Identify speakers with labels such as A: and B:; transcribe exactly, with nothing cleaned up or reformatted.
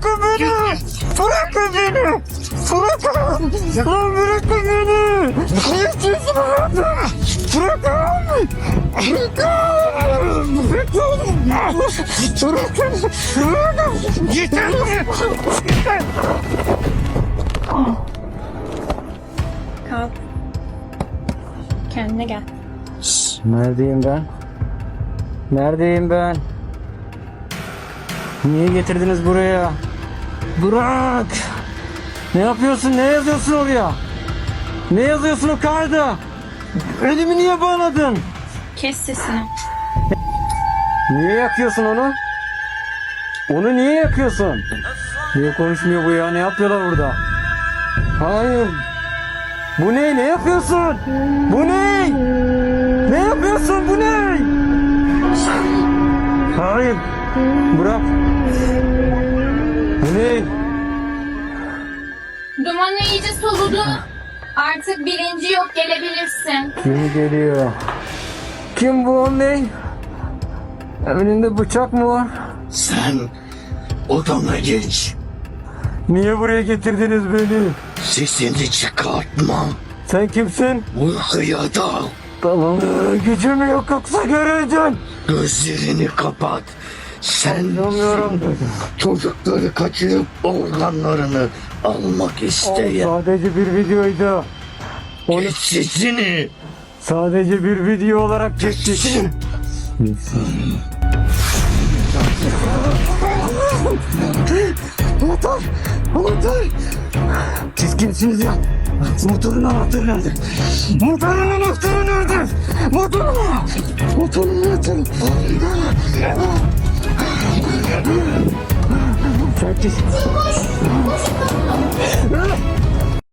A: bırakın beni. Bırakın beni. Bırakın. Lan bırakın beni. Ne istiyorsun benden? Bırakın. Bırakın. Bırakın. Bırakın. Bırakın. Yeter. Yeter.
B: Kalk. Kendine gel.
A: Neredeyim ben? Neredeyim ben? Niye getirdiniz buraya? Bırak! Ne yapıyorsun? Ne yazıyorsun oraya? Ne yazıyorsun o kağıda? Elimi niye bağladın?
B: Kes sesini.
A: Niye yakıyorsun onu? Onu niye yakıyorsun? Niye konuşmuyor bu ya? Ne yapıyorlar burada? Hayır. Bu ne? Ne yapıyorsun? Bu ne? Ne yapıyorsun? Bu ne? Hayır. Bırak. Bu ne?
B: Dumanı iyice soludu. Artık birinci yok, gelebilirsin.
A: Kim geliyor? Kim bu o ne? Önünde bıçak mı var?
C: Sen odana geç.
A: Niye buraya getirdiniz beni?
C: Sesini çıkartma.
A: Sen kimsin?
C: Uykuya dal.
A: Tamam. Gücüm yok yoksa göreceğim.
C: Gözlerini kapat. Sen
A: Anlamıyorum.
C: çocukları kaçırıp organlarını almak isteyen.
A: Sadece bir videoydu. Onu
C: Geç sesini.
A: sadece bir video olarak çektik. Motor! Motor! Siz kimsiniz ya? Motorun anahtarı nerede? Motorun anahtarı nerede? Motorun Motorun anahtarı. Sen kimsin?